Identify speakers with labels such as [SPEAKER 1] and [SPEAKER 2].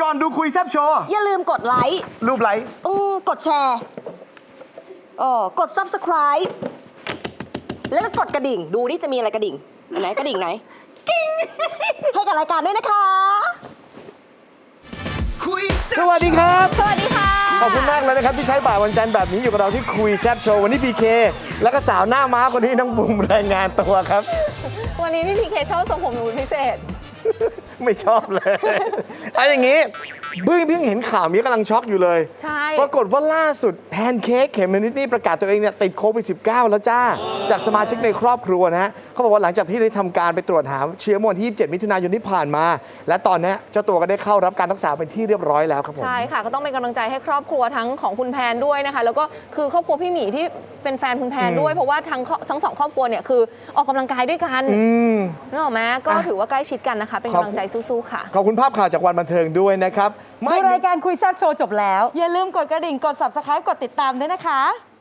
[SPEAKER 1] ก่อนดูคุยแซบโชว์
[SPEAKER 2] อย่าลืมกดไลค์
[SPEAKER 1] รูปไลค์
[SPEAKER 2] กดแชร์กด Subscribe แล้วก็กดกระดิ่งดูนี่จะมีอะไรกระดิ่งอันไหนกระดิ่งไหนให้กับรายการด้วยนะคะ
[SPEAKER 1] สวัสดีครับ
[SPEAKER 2] สวัสดีค่ะ
[SPEAKER 1] ขอบคุณมากเลยนะครับที่ใช้บ่ายวันจันทร์แบบนี้อยู่กับเราที่คุยแซบโชว์วันนี้พีเคแล้วก็สาวหน้าม้าคนนี้น้องบุ๋มรายงานตัวครับ
[SPEAKER 3] วันนี้พี่พีเคชอบทรงผมหนูพิเศษ
[SPEAKER 1] ไม่ชอบเลยเอาอย่างนี้เพิ่งเห็นข่าวนี้กำลังช็อกอยู่เลย
[SPEAKER 3] ใช่
[SPEAKER 1] ปรากฏว่าล่าสุดแพนเค้กเขมมะนิดนี่ประกาศตัวเองเนี่ยติดโควิด -19 แล้วจ้าจากสมาชิกในครอบครัวนะฮะเขาบอกว่าหลังจากที่ได้ทำการไปตรวจหาเชื้อเมื่อวันที่ 27 มิถุนายนที่ผ่านมา และตอนนี้เจ้าตัวก็ได้เข้ารับการรักษาเป็นที่เรียบร้อยแล้วครับผม
[SPEAKER 3] ใช่ค่ะก็ต้องเป็นกำลังใจให้ครอบครัวทั้งของคุณแพนด้วยนะคะแล้วก็คือครอบครัวพี่หมีที่เป็นแฟนคุณแพนด้วยเพราะว่าทั้งสองครอบครัวเนี่ยคือออกกำลังกายด้วยกันนึกออกไหมก็ถือว่าใกล้ชิดกันนะคะเป็นกำลังใจสู้ๆค่ะ
[SPEAKER 1] ขอบคุณภาพข่าวจากวันบันเทิงด้วยนะครับ
[SPEAKER 4] ดูรายการคุยแซ่บโชว์จบแล้ว อย่าลืมกดกระดิ่งกด Subscribe กดติดตามด้วยนะคะ